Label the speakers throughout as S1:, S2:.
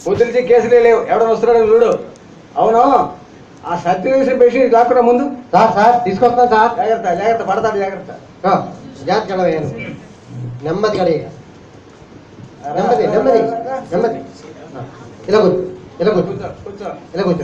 S1: కుదిరిచి కేసులే లేవు, ఎవడో వస్తున్నాడు చూడు. అవును, ఆ సత్యవేసిన పేషెంట్ కాకుండా ముందు
S2: సార్ తీసుకొస్తాను సార్.
S1: జాగ్రత్త జాగ్రత్త, పడతాడు జాగ్రత్త.
S2: జాగ్రత్త నెమ్మది కడిగ నెమ్మది నెమ్మది నెమ్మది. ఇలా కూర్చో, ఇలా కూర్చో,
S1: కూర్చో.
S2: ఇలా కూర్చో.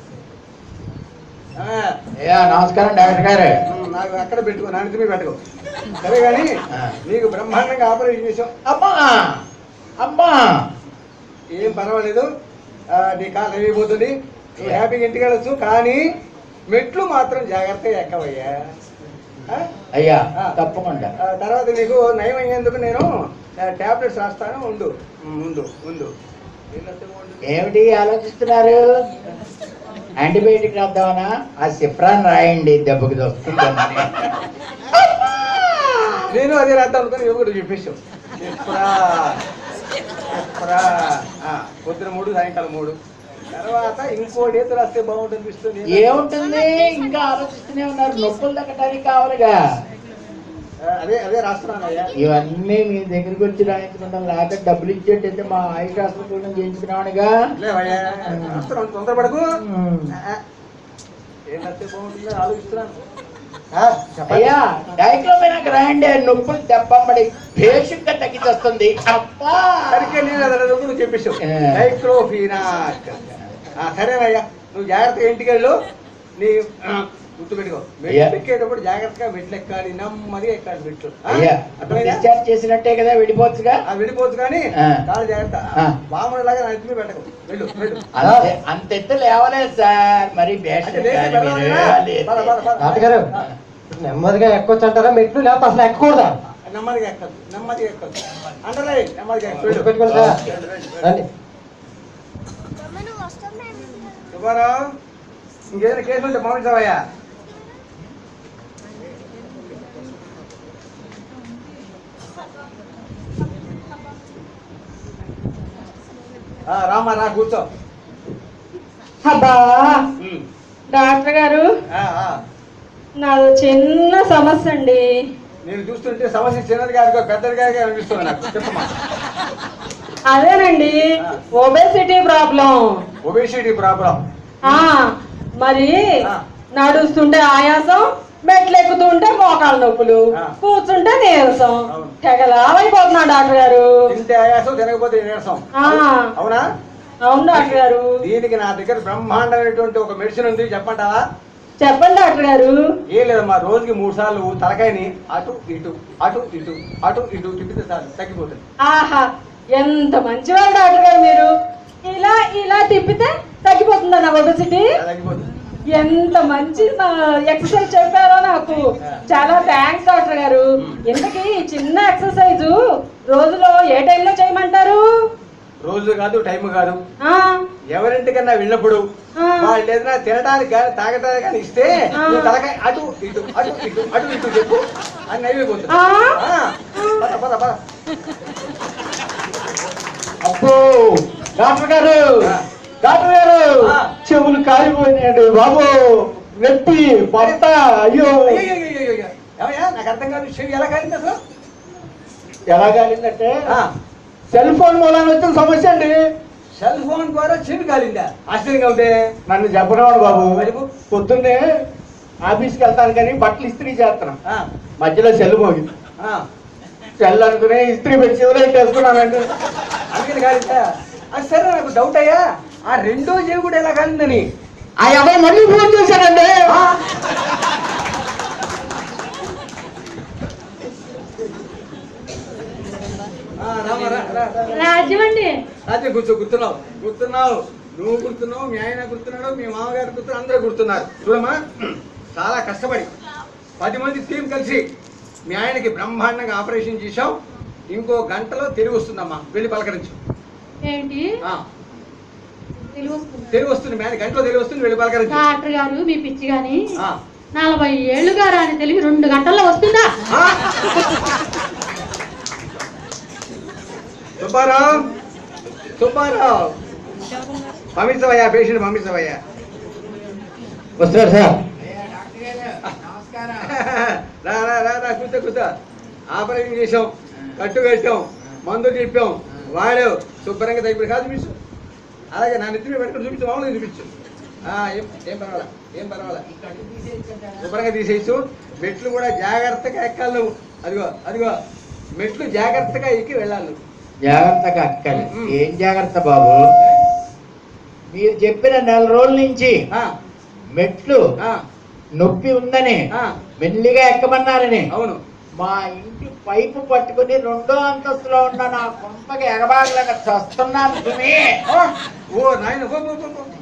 S3: నమస్కారం డాక్టర్ గారు.
S1: నాకు అక్కడ పెట్టుకో, నా మీద పెట్టుకో. సరే కానీ నీకు బ్రహ్మాండంగా ఆపరేషన్ చేసాం.
S3: అమ్మా అమ్మా
S1: ఏం పర్వాలేదు, నీ కాలు అయిపోతుంది, నువ్వు హ్యాపీగా ఇంటికి వెళ్ళొచ్చు. కానీ మెట్లు మాత్రం జాగ్రత్తగా ఎక్కవయ్యా.
S3: అయ్యా తప్పకుండా.
S1: తర్వాత నీకు నయం అయ్యేందుకు నేను టాబ్లెట్స్ రాస్తాను, ఉండు. ముందు ముందు
S3: ఏమిటి ఆలోచిస్తున్నారు? యాంటీబయాటిక్ రాద్దామనా? ఆ సిప్రాన్ రాయండి, దెబ్బకి వస్తుందని.
S1: నేను అదే రాద్దాం అనుకుని యువకుడు చెప్పేసావు. పొద్దున 3, సాయంకాలం 3. తర్వాత ఇంకో డేట్ రాస్తే బాగుంటుంది అనిపిస్తుంది.
S3: ఏముంటుంది, ఇంకా ఆలోచిస్తూనే ఉన్నారు. నొప్పులు తగ్గడానికి కావాలిగా.
S1: అదే అదే రాస్తున్నాను అయ్యా.
S3: ఇవన్నీ మీ దగ్గరికి వచ్చి రాయించుకుంటాం, లేకపోతే డబ్బులు ఇచ్చేటైతే మా ఆయుష్ హాస్పిటల్ చేయించుకున్నామనిగా.
S1: తొందరపడకు. ఏం రాస్తే బాగుంటుందో ఆలోచిస్తున్నాను.
S3: అయ్యా డైక్లోఫెనాక్ రాయండి, నొప్పులు దెబ్బడి భేషుగ్గా తగ్గించొస్తుంది.
S1: సరిగ్గా నేను నువ్వు చెప్పేసావు, డైక్లోఫెనాక్. సరేనయ్యా, నువ్వు జాగ్రత్తగా ఇంటికి వెళ్ళు. నీ గుర్తు పెట్టుకో, మెట్లు ఎక్కేటప్పుడు జాగ్రత్తగా మెట్లు ఎక్కాలి, నెమ్మదిగా ఎక్కాలి మెట్లు.
S3: డిశ్చార్జ్ చేసినట్టే కదా, వెళ్ళిపోవచ్చుగా.
S1: వెళ్ళిపోవచ్చు కానీ చాలా జాగ్రత్త. బాగుండేలాగా నా ఎత్తుమీ పెట్టకు, వెళ్ళు వెళ్ళు.
S3: అంత ఎత్తు లేవలేదు సార్, మరి
S2: డాక్టర్ నెమ్మదిగా ఎక్కొచ్చు అంటారా మెట్లు, లేకపోతే అసలు ఎక్కకూడదా?
S1: నెమ్మదిగా ఎక్కదు, నెమ్మదిగా ఎక్కదు. అంటారా నెమ్మదిగా
S2: పెట్టుకోండి సార్. రండి
S1: సుబ్బారావు, ఇంకేదైనా కేసు ఉంటే పంపించవయ్యా. రామా రా, కూర్చో.
S4: అబ్బా డాక్టర్ గారు, నాది చిన్న సమస్య అండి.
S1: నేను చూస్తుంటే సమస్య చిన్నది కాదు, పెద్దది కాదు అనిపిస్తుంది నాకు. చెప్పమ్మా.
S4: అదేనండి, ఒబేసిటీ ప్రాబ్లం.
S1: Obesity problem?
S4: మరి నడుస్తుంటే ఆయాసం, మెట్లు ఎక్కుతుంటే మోకాళ్ళ నొప్పులు, కూర్చుంటే నీరసం. తెగలావైపోతున్నా డాక్టర్ గారు.
S1: తింటే ఆయాసం, తినకపోతే నీరసం. అవునా?
S4: అవును డాక్టర్ గారు.
S1: దీనికి నా దగ్గర బ్రహ్మాండమైనటువంటి ఒక మెడిసిన్ ఉంది, చెప్పంటావా?
S4: చెప్పండి డాక్టర్ గారు.
S1: ఏం లేదమ్మా, రోజుకి 3 సార్లు తలకాయని అటు ఇటు అటు ఇటు అటు ఇటు తిప్పితే చాలు, తగ్గిపోతుంది.
S4: ఆహా, ఎంత మంచివారు డాక్టర్ గారు మీరు. ఇలా ఇలా తిప్పితే తగ్గిపోతుందా నా ఒబేసిటీ?
S1: తగ్గిపోతుంది.
S4: ఎంత మంచి ఎక్సర్సైజ్ చెప్పారో నాకు. చాలా థ్యాంక్స్ డాక్టర్ గారు. ఇంతకీ చిన్న ఎక్సర్సైజ్ రోజులో ఏ టైంలో చేయమంటారు?
S1: రోజు కాదు, టైం కాదు, ఎవరింటికన్నా వెళ్ళినప్పుడు వాళ్ళు ఏదైనా తినడానికి కానీ తాగడానికి కానీ ఇస్తే తలకాయ అటు ఇటు అటు ఇటు అటు ఇటు చెప్పు, అని నైవేపోతుంది.
S3: అబ్బో డాక్టర్ గారు, డాక్టర్ గారు, చెవులు కాలిపోయినాయండి బాబు, నెత్తి పడత. అయ్యో
S1: నాకు అర్థం కాదు, చెవి ఎలా కాలింది అసలు?
S3: ఎలా కాలిందంటే సెల్ ఫోన్ మూలాన వచ్చిన సమస్య అండి.
S1: సెల్ ఫోన్ ద్వారా చెవి కాలిందా? ఆశ్చర్యంగా ఉంటే
S3: నన్ను చెప్పనివ్వండి బాబు. పొద్దున్నే ఆఫీస్కి వెళ్తాను కానీ బట్టలు ఇస్త్రీ చేస్తున్నాం, మధ్యలో సెల్ పోగింది. సెల్ అనుకునే ఇస్త్రీ పెట్టి చెవులో వేసుకున్నానండి,
S1: అందుకని కాలిందా? అది సరే, నాకు డౌట్ అయ్యా, ఆ రెండో చెవి కూడా ఎలా కాలిందని.
S3: ఆ అబ్బాయి మళ్ళీ ఫోన్ చేశానండి.
S4: రాజ్యమండి.
S1: రాజ్యం గుర్తున్నావు, నువ్వు గుర్తున్నావు, మీ ఆయన గుర్తున్నాడు, మీ మామగారు గుర్తున్నారు, అందరూ గుర్తున్నారు. చూడమ్మా, చాలా కష్టపడి 10 మంది టీం కలిసి మీ ఆయనకి బ్రహ్మాండంగా ఆపరేషన్ చేశాం. ఇంకో గంటలో తిరిగి వస్తుందమ్మా, వెళ్ళి పలకరించు.
S4: ఏంటి
S1: తెలివి వస్తుంది, మీ ఆయన గంటలో తెలివి వస్తుంది, వెళ్ళి పలకరించు.
S4: డాక్టర్ గారు మీ పిచ్చి గాని 40 ఏళ్ళుగా రాని తెలివి 2 గంటల్లో వస్తుందా?
S1: సుబ్బారావు పంపించవయ్యా, పేషెంట్ పంపించవయ్యా.
S3: వస్తారు సార్.
S1: రా కూర్చో. ఆపరేషన్ చేసాం, కట్టు కట్టాం, మందు చెప్పాం, వాడావు, శుభ్రంగా తగ్గిపోయి కాదు మిస్. అలాగే నా నెత్తిని పెట్టుకుని చూపించు, మామూలుగా చూపించు. ఏం పర్వాలా, ఏం పర్వాలా, శుభ్రంగా తీసేయచ్చు. మెట్లు కూడా జాగ్రత్తగా ఎక్కాలి నువ్వు. అదిగో అదిగో మెట్లు జాగ్రత్తగా ఎక్కి వెళ్ళాలి నువ్వు.
S3: జాగ్రత్తగా అక్కాలి. ఏం జాగ్రత్త బాబు? మీరు చెప్పిన 4 రోజుల నుంచి మెట్లు నొప్పి ఉందని మెల్లిగా ఎక్కమన్నారని
S1: అవును.
S3: మా ఇంటి పైపు పట్టుకుని 2వ అంతస్తులో ఉన్న నా కొంపకి ఎగబాగలేక చస్తున్నాను.
S1: ఓ నాయన